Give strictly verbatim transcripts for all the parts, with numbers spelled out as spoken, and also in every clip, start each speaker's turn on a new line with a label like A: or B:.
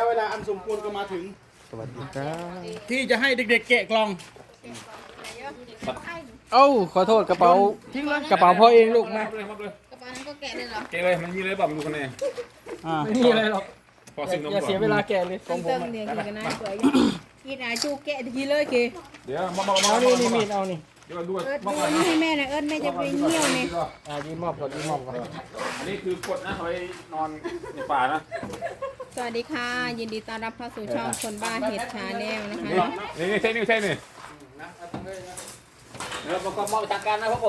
A: เวลาอันสมควรก็มาถึง
B: สวัสดีครับ
A: ที่จะให้เด็กๆแกะกล่อง
B: เอ้าขอโทษกระเป๋า
A: ทิ้งเลย
B: กระเป๋าพ่อเองลูกนะ
C: เลยครับเลย
D: กระเป๋านั้นก็แกะเลยเหรอ
C: เกเลยมันมีเลยบอกดูคะแนน
A: อ่า
B: ไม่มีอะไรหรอก
C: พอสิ่งนม
B: อย่าเสียเวลาแกะเลยข
D: เติ
B: อง
D: ม
B: ผ
D: เติ
B: ม
D: ม
B: อะ
D: เดี๋ยวกินกันนะสวยกินอาจูแกะทีเลยกี
C: เดี๋ยวมามามา
B: เอานี่นี่มีดเอานี่
C: เดี๋ยวดู
D: เอิร์ด
C: มา
D: ดู
C: ก่อน
D: นี่
C: นะ
D: ให้แม่นะเอิร์ดแม่จะไปเที่ยวเนี่ย
B: อ่ายืมมอบก่อนยืมมอบก่อน
C: อันนี้คือกดนะเอาไว้นอนในป่านะ
D: สวัสดีค่ะยินดีต้อนรับเข้าสู่ช่องคนบ้าเห็ดชาแนลนะคะ
C: นี่
D: เนาะ
C: นี่นี่ใช่นี่ใช่นี่
B: เดี๋ยวประกอบมอบจากการนะครับผม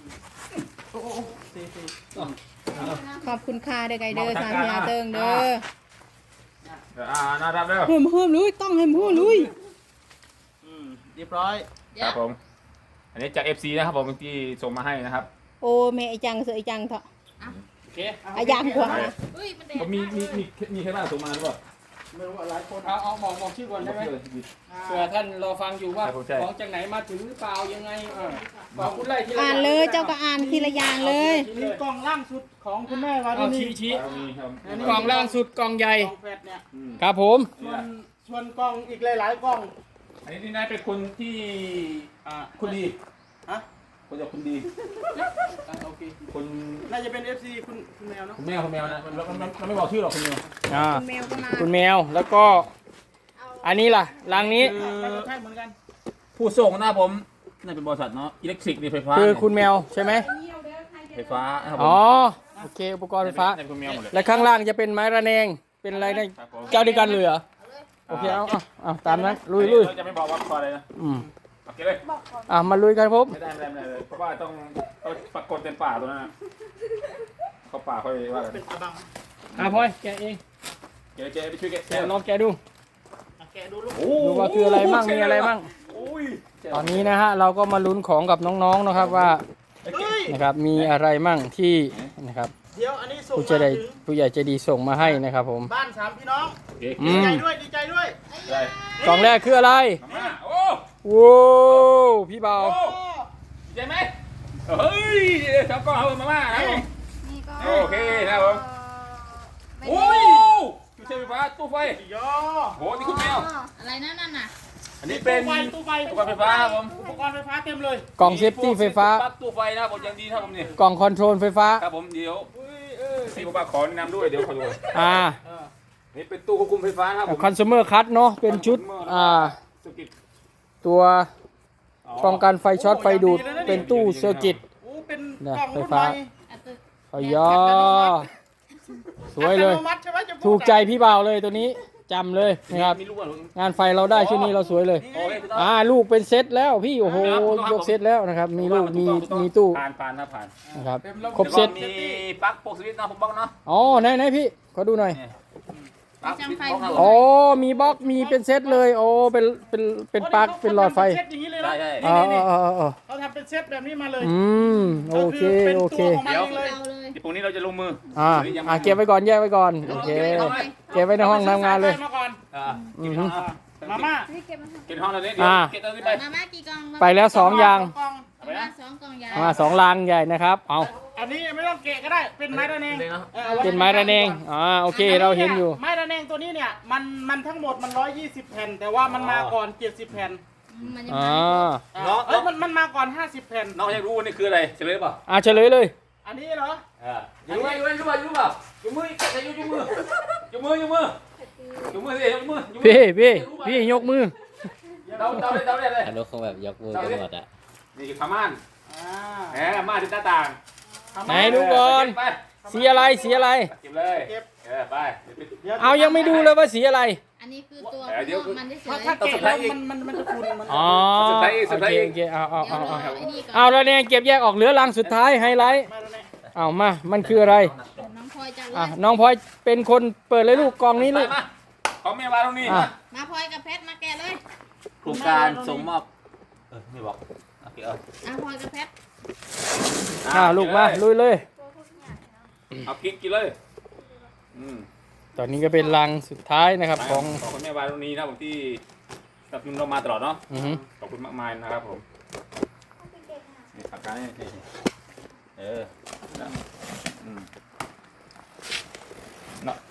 D: ขอบคุณค่ะเด้อไกเดอร์สามพยาเติงเด้อ
C: อ่าน่ารับเด้อ
D: เฮิมเฮิมลุยต้องเฮิมเฮิมลุย
A: อืมเรียบร้อย
C: ครับผมอันนี้จาก เอฟ ซี นะครับผมที่ส่งมาให้นะครับ
D: โอ้แม่ไอจังเสือไอจังเถอะ
A: โอเค
D: ไอยังกว่า
C: ก็มีมีมีมีใครบ้างส่งมาหรือเปล่า
A: ไม่รู้ว่าหลายคน
B: เอาเอาบอกบอกชื่อก่อนได้ไหมเผื่อท่านรอฟังอยู่ว่าของจากไหนมาถึงหรือเปล่ายังไงเออบอกคุณไล่ทีละ
D: อ่านเลยเจ้าก็อ่านทีละอย่างเลย
A: นี่กล่องล่างสุดของคุณแม่วารุ
B: เอา
A: ณี
B: ชี้ชี้
C: เอามีครับ
B: กล่องล่างสุดกล่องใหญ่
A: กล่องแฟดเนี่ย
B: ครับผม
A: ส่วนส่วนกล่องอีกหลายๆกล่อง
C: อันนี้ที่นายเป็นคนที่อ่าคนดี
A: ฮะ
C: คนจะคนดี
A: อ่ะโอเค
C: คน
A: น่าจะเป็น เอฟ ซี คุณคุณแมวเนาะ
C: คุณแมวคุณแมวนะเราเราเราไม่บอกชื่อหรอกคุณแมว
B: อ่า
D: คุณแมวก็มา
B: คุณแมวแล้วก็อันนี้ล่ะลังนี้
A: น่าจะใช่เหมือนกัน
C: ผู้ส่งนะผมน่าเป็นบริษัทเนาะอิเล็กทริกนี่ไฟฟ้า
B: คือคุณแมวใช่ไหม
C: ไฟฟ้านะครับผม
B: อ๋อโอเคอุปกรณ์ไฟฟ้า
C: น่าเป็นคุณแมวหมดเลย
B: และข้างล่างจะเป็นไม้ระแนงเป็นอะไรนะ
C: ครับผม
B: เจ้าเดียวกันเลยเหรอโอเคเอาเอาเอาตามนั้นลุยลุย
C: เราจะไม่บอกว่าคออะไรนะ
B: อืม
C: โอเคเลย
B: อ่ะมาลุยกันครับ
C: ไม่ได้ไม่ได้ไม่ได้เลยเพราะว่าต้องต้องปรากฏเป็นป่าตัวนั้นนะเขาป่าค่อยว่ากัน
A: เป็นอาบัง
B: อ่ะพลอยแกะเอง
C: เจ๊เจ๊ไปช่วยแกะ
B: แกะลองแกะดู
A: อ่ะแกะดูลูก
B: ดูว่าคืออะไรมั่งมีอะไรมั่ง
C: โอ้ย
B: ตอนนี้นะฮะเราก็มาลุ้นของกับน้องๆนะครับว่า
A: เฮ้ย
B: นะครับมีอะไรมั่งที่นะครับ
A: เดี๋ยวอันนี้ส่ง
B: ผู้
A: มา
B: ใจใด
A: ถึง
B: ผู้ใหญ่ใจดีส่งมาให้นะครับผม
A: บ้านสามพี่น้อง
C: เก๊ก
B: อื
A: ดี
B: ม
A: ใจด้วยดีใจด้วย
C: ได้
B: กล่องแรกคืออะไร
C: มาม่าโอ้
B: โว้วพี่เบา
C: โอ้ดีใจไหมเฮ้ยชอบกล้องเอามาม่านะผม
D: นี่ก็
C: โอเคนะครับผมโอ้ยตู้ใช้ไฟฟ้าตู้ไฟ
A: ย่อ
C: โหนี่คุณแมว
D: อะไรนั่นน่ะ
C: อันนี้เป็น
A: ตู้ไฟ
C: อุปกรณ์ไฟฟ้าครับผม
A: อุปกรณ์ไฟฟ้าเต็มเลย
B: กล่องเซฟตี้ไฟฟ้า
C: ปลั๊กตู้ไฟนะครับผมยังดีครับผมเนี่ย
B: กล่องคอนโทรลไฟฟ้า
C: ครับผมเดี๋ยว
A: อุ้ยเออ
C: พี่บอกว่าขอแนะนำด้วยเดี๋ยวขอดู
B: อ่า
A: เออ
C: นี่เป็นตู้ควบคุมไฟฟ้านะครับผม
B: คอน sumer cut เนาะเป็นชุดอ่า
C: สกิป
B: ตัวป้องกันไฟช็อตไฟดูดเป็นตู้เซอร์กิต
A: โอ้เป็น
B: เนี่ย
A: กล่อง
B: ไฟ
A: รุ่น
B: ฟ้า
A: ใหม่
B: พอยอสวยเลย
A: อัตโนมัติใช่ไหมจะพูด
B: ถูกใจพี่เบาเลยตัวนี้จำเลยนะครับ
C: มีลูกอ่ะ
B: งานไฟเราได้ชุดนี้เราสวยเลย
C: โอเคถูกต้อง
B: อ่าลูกเป็นเซตแล้วพี่โอ้โหยกเซตแล้วนะครับ มีลูกมีมีตู้
C: ผ่านผ่านนะผ่าน
B: นะครับ
A: ต็มะบบ
B: ครบเซต
C: แล้วก็มีปลั๊กโปกสวิตช์นะผมบอกเนาะ
B: อ๋อไหนไหนพี่ขอดูหน่อย
C: เนี่ยปลั๊กสวิตช์บล็อกครับผ
B: อ๋
C: ม
B: อมีบล็อกมีเป็นเซตเลยโอ้เป็นเป็นเป็นปลั๊กเป็นหลอดไฟ
A: เขาทำเป็นเซตอย่างนี้เลย
C: ใช่
A: นะ
C: ใช่
B: อ๋อ
A: นี่
B: อ๋ออ๋ออ๋อ
A: เขาทำเป็นเซตแบบนี้มาเลย
B: อืมโอเค
A: ก็ป็น
B: โอเค
A: ตัวของมันเองเลย
D: เอาเลย
C: ที่พรุ่งนี้เราจะลงมือ
B: อ่า
C: วันนี้ยังไม่
B: อ่าเก็บไว้ก่อนแยกไว้ก่อนโอเคเก็บไว้ในห้องทำงานเลย
A: มาก่อน
C: อ่าเก็บห้อง
A: มาม่า
D: นี่เก็บมา
C: เก็บห้องตอนนี้เดี๋ยว
B: อ่า
C: เก็บตอนนี้ไป
D: มาม่ากี่กล่อง
B: ไปแล้วสองอย่าง
A: กล่อง
C: เอาไปนะ
D: สองกล่องใหญ่
B: มาสองลังใหญ่นะครับเอา
A: อันนี้ไม่ต้องเกะก็ได้เป็นไม้ระแนง
C: เลยเนาะ
A: อออาว้
B: เป็นไม้ระแนงอ่าโอเคเราเห็นอยู่
A: ไม้ระแนงตัวนี้เนี่ยมันมันทั้งหมดมันร้อยยี่สิบแผ่น แต่ว่ามันมาก่อนเจ็ดสิบแผ่น
D: มันจะ
B: อ่า
A: อ่าเอ้ยมันมันมาก่อนห้าสิบแผ่น
C: น้องอยากรู้ว่านี่คืออะไรเฉลยเปล่า
B: อ่าเฉลยเลย
A: อันนี้เหรอ
C: อ่าอยู่ไหมอยู่ไหมอยู่ไหมอยู่เปล่าอยู่มือแกะอยู่อยู่มืออยู่มืออยู่มืออยู่มือสิอยู่มืออยู่มือ
B: พี่พี่พี่ยกมือ
C: เดาเดาเลยเดาเลยเลย
E: อนุคงแบบยกมือกันหมดอ่ะ
C: นี่คือผ้าม่าน
A: อ่า
C: แหมม่านที่หน้าต่าง
B: ไหนดูก่อน
C: ไป
B: สีอะไรสีอะไร
C: เก็บเลยเออไป
A: ดี๋ว
B: เอายังไม่ดูเลยว่าสีอะไร
D: อันนี้คือตัว
C: เดี๋ยว
D: มันจะเฉ
A: ถ้าย ถ้าเกะแล้วมันมันมันจะคุณมัน
B: อ๋อ
C: สุดท้ายอีกสุ
B: โอ
C: ดท้าย
B: เค
C: อีก
B: โอเคเอาเอาเอาเอา
D: เดี๋ยวรอไอ้นี่ก่อน
B: เอาแล้วเนี่ยเก็บแยกออกเหลือลังสุดท้ายไฮไลท์
A: ไม้ระแนง
B: เอามามันคืออะไร
D: น้องพลอยจัดเล
B: อ่ะ
D: ย
B: น้องพลอยเป็นคนเปิดเลยลูกกล่องนี้
C: ไป
B: ลูก
C: มาของแม่วาตรงนี้
B: อ่ะ
D: มาพลอยกับเพชรมาแกะเลย
E: โครงการส่งมอบเออไม่บอกโอเคเออ
D: อ่ะพลอยกับเพชร
B: อ่าลูกมาลุยเลย
C: เอากินกินเลยอืม
B: ตอนนี้ก็เป็นลังสุดท้ายนะครับของ
C: ของคุณแม่วาตรงนี้นะผมที่สนับสนุนเรามาตลอดเนาะ
B: อือฮึ
C: ขอบคุณมากมายนะครับผมนี่ปากกาเนี่ยนี่เออนะอืมเนาะ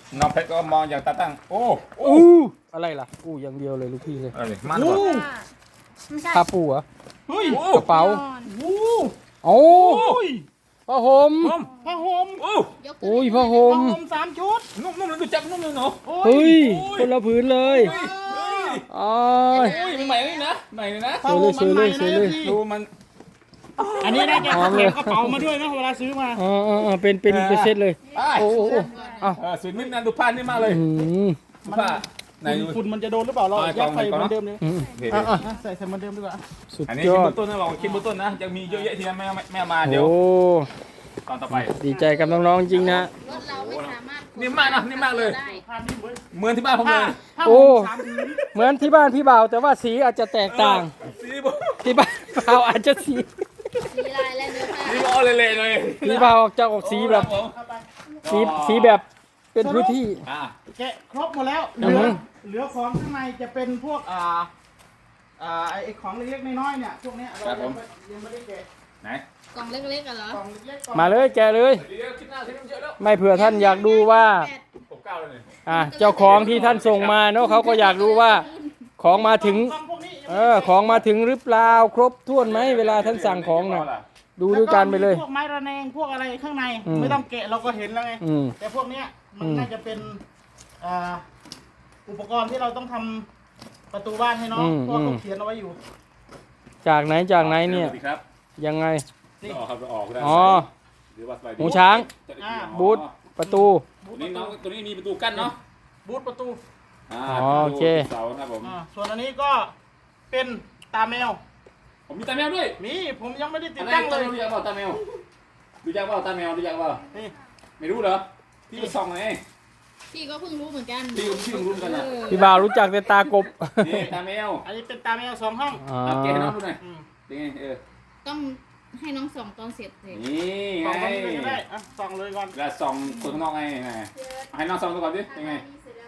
C: น้องเพชรก็มองอย่างตาตั้งโอ้
B: อู้อะไรล่ะอู้อย่างเดียวเลยลูกพี่เลย
C: อะไรมันวะ
D: ไม่ใช่
B: ผ้าปูเหรอ
A: เฮ้ย
C: โอ้
B: กระเป๋า
A: โอ้
B: โอ้
A: ย
B: ผ้าห่ม
C: ผม
A: ผ้าห่ม
C: โอ้
D: ยก
B: โอ้ยผ้าห่ม
A: ผ้าห่มสามชุด
C: นุ่มนุ่มเลยดูจับนุ่มเลยเนาะ
A: โอ้
B: เฮ้ย
C: โอ้ย
B: คนละผืนเลย
C: เฮ้ยเฮ้ย
B: อ๋อ
C: โอ้ยใหม่เลยนะใหม่เลยนะ
A: ผ้าห่มมันใหม่
B: สวย
A: นะ
B: เลย
A: พี่
C: ดูมัน
A: อันนี้ได้แก
B: หอมเลย
A: เก็บกระเป๋ามาด้วยนะเวลาซื้อมา
B: อ๋ออ๋ออ๋อเป็นเป็นเป็นเซตเลย
C: อ่ะ
B: โอ้โอ้โอ้เอ้า
C: เออสวยนิ่มนะดูผ้านี่มากเลย
B: อืม
C: ดูผ้าไหนดู
A: ฝุ่นมันจะโดนหรือเปล่าเรา
C: เอา
A: ยัดใส่
C: กล่
A: เห
C: อง
A: มือนเดิมเลย
B: อืม
C: เดี๋ยว
B: อ่ะอ่ะ
A: อ่ะใส่ใส่เหมือนเดิมดีกว่า
B: สุด
C: อันนี้
B: ย
C: คิด
B: อ
C: เบื้
B: ด
C: องต้นนะบอกคิดเบื้องต้นนะยังมีเยอะแยะที่ไม่ไม่ไม่เอามาเดี๋ยว
B: โอ้
C: ตอนต่อไป
B: ดีใจกับน้องๆจริงนะ
D: รถเราไม่สามารถ
C: นิ่มมากนะนิ่มมากเลย
D: ได้
A: ผ้านี่เหมือน
C: เหมือนที่บ้านผมเล
A: ผ้าย ผ้า
B: โอ้
A: ห่มสามผืน
B: เหมือนที่บ้านพี่บ่าวแต่ว่าสีอาจจะแตกต่าง
C: สีบอก
B: ที่บ้านบ่าวอาจจะสี
D: สีลายและเนื้อผ้า
C: สีบอกเละๆเลย
B: พี่บ่าวจะออกสีแบบ
C: โอ้
A: เข้าไป
B: สีสีแบบเป็นพื้นที่
C: อ่ะ
A: แกะครบหมดแล้วเห
B: อื
A: ลื
B: อ
A: อ
B: ฮึ
A: เหลือของข้างในจะเป็นพวกอ่าอ่าไอ้ไอ้ของเล็กๆน้อยๆเนี่ยพวกเนี้ยเรายังไม่ยังไม่ได้แกะ
C: ไหน
D: กล่องเล็กๆกันเหรอก
A: ล่องเล็กๆกล่อง
B: มาเลยแกะเลย
C: เดี๋ยวคิดหน้าคิดน้ำเยอะแล้ว
B: ไม่เผื่อท่านอยากดูว่า
C: หกเก้าเลยเนี่ย
B: อ่ะเจ้าของที่ท่านส่งมาเนาะเขาก็อยากรู้ว่าของมาถึง
A: กล่องพวกนี้ยัง
B: เอ
A: ไม่
B: อ
A: ได้แกะ
B: ของมาถึงหรือเปล่าครบถ้วนไหมเวลาท่านสั่งของน่ะดูด้วยกันไปเลย
A: แวมีพวกไม้ระแนงพวกอะไรข้างใน
B: อืม
A: ไม่ต้องแกะเราก็เห็นแล้วไง
B: อืม
A: แต่พวกเนี้ยมัน
B: อืม
A: น่าจะเป็นอ่าอุปกรณ์ที่เราต้องทำประตูบ้านให้น้องเพราะว่าเขาเขียนเอาไว้อยู่
B: จากไหนจากไหนเนี่ย
C: สวัสดีครับ
B: ยังไง
C: นี่ออกครับออกได้
B: อ๋อ
C: หรือว่าสบายดี
B: หูช้าง
A: อ่า
B: บูธประตู
C: ตัวนี้น้องตัวนี้มีประตูกั้นเนาะ
A: บูธประตู
C: อ่า
B: อ๋อโอเค
C: เสานะครับผม
A: อ่าส่วนอันนี้ก็เป็นตาแมว
C: ผมมีตาแมวด้วย
A: มีผมยังไม่ได้ติด
C: อะไร
A: ตั้ง
C: ตา
A: เล
C: แม
A: ยว
C: รู้จักเปล่าตาแมวรู้จักเปล่าตาแมวรู้จักเปล่า
A: นี่
C: ไม่รู้เหรอพี่ก็ส่องไง
D: พี่ก็เพิ่งรู้เหมือนกัน
C: พี่ก็พี่ก็รู้กันนะ
D: เออ
B: พี่บ่าวรู้จักแต่ตากบ
C: นี่ตาแมว
A: อันนี้เป็นตาแมวสองห้อง
B: อ๋อ
C: เอาเกให้น้องดูหน่อย
A: อืม
C: เป็นไงเออ
D: ต้องให้น้องส่องตอนเสร็จเลย
C: นี่
A: ส
C: ไง
A: องคนเลยก็ได้อ่ะสองเลยก่อน
C: แล้วส่องคนข้างนอกไงไงให้น้องส่องดูก่อนดิเป็นไง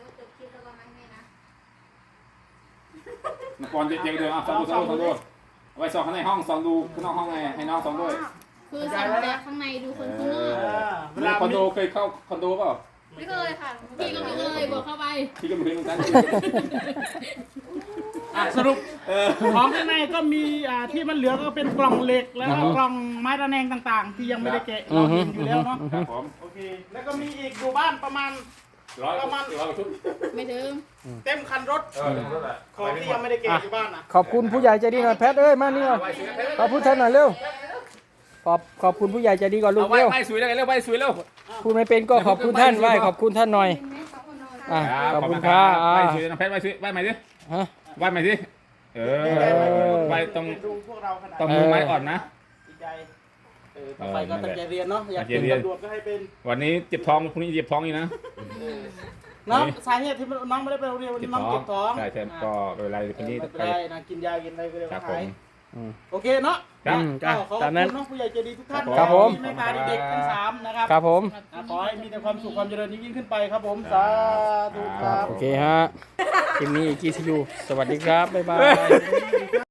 C: นักบอลเจ๊ๆเดินอ่ะส่องดูส่องดูส่องดูเอาไว้ส่องข้างในห้องส่องดูข้างนอกห้องไงให้น้องส่องด้วย
D: คือส่องจากข้างในดูคนข้างนอก
A: อ่าเว
C: เว
A: ลา
C: ลาคอนโดเคยเข้าคอนโดเปล่า
D: ไม่เคยค่ะพี่ก็ไม่เคยบอกเข้าไป
C: พี่ก็ไม่เคยเหมือนกัน
A: อ่ะสรุป
C: เออ
A: ของข้างในก็มีอ่าที่มันเหลือก็เป็นกล่องเหล็กแล้วก็กล่องไม้ระแนงต่างๆ ที่ยังไม่ได้แกะเราเห็นอยู่แล้วเนาะ
C: ครับผม
A: โอเคแล้วก็มีอีกอยู่บ้านประมาณ
C: ร้อยร้อยชุด
D: ไม่ถึง
A: เต็มคันรถ
C: เออนั่นแหละ
A: ของที่ยังไม่ได้แกะอยู่บ้านอ่ะ
B: ขอบคุณผู้ใหญ่ใจดีหน่อยแพทเอ้ยมานี่ก่อนขอบคุณท่านหน่อยเร็วขอบขอบคุณผู้ใหญ่ใจดีก่อนลู
C: เอา
B: ก
C: ไว้
B: เร็ว
C: ไว้สวยแล้วเร็วไว้สวยแล้ว
B: พูดไม่เป็นก็ขอบคุณท่านไหว้ขอบคุณท่านหน่อยอ่ะขอบคุณครับอ่า
C: ไว้สวยน้องแพทไว้สวยไว้ใหม่ดิ
B: ฮะ
C: ไว้ใหม่ดิเออไว้ตรง
A: ดูพวกเราขนาด
C: ตรงมือไม้อ่อนนะ
A: ดีใจเออต่อไปก็ตั้งใจเรียนเนาะอยาก
C: ตั้
A: เป็น
C: งใจเรียน
A: ตำรวจก็ให้เป็น
C: วันนี้เจ็บท้องพรุ่งนี้เจ็บท้องอีกนะ
A: เนาะสาเหตุที่น้องไม่ได้ไปโรงเรียนวัน
C: เจ็บ
A: นี้น้อง
C: ท้อง
A: เจ็บท้อง
C: ใช่ใช่ก็ไม่เป็นไรคนนี้
A: ไม่เป็น
C: ไป
A: ไรนะกินยากินอะไรก็เดี๋ยว
C: ครับผ
A: หาย
C: ม
B: อืม
A: โอเคเนาะ
C: ครับ
B: อืมจ้ะ
A: ก็ขอขอบ
B: ตามนั้น
A: คุณเนาะผู้ใหญ่ใจดีทุกท่าน
B: ครับผม
A: ที่เมตตาเด็กๆทั้งสามนะครับ
B: ครับผม
A: อ่ะขอให้มีแต่ความสุขความเจริญยิ่งๆขึ้นไปครับผมสาธุค
B: ครั
A: รั
B: บบ โอเคฮะคลิปนี้อีกทีซียูสวัสดีครับบ๊ายบาย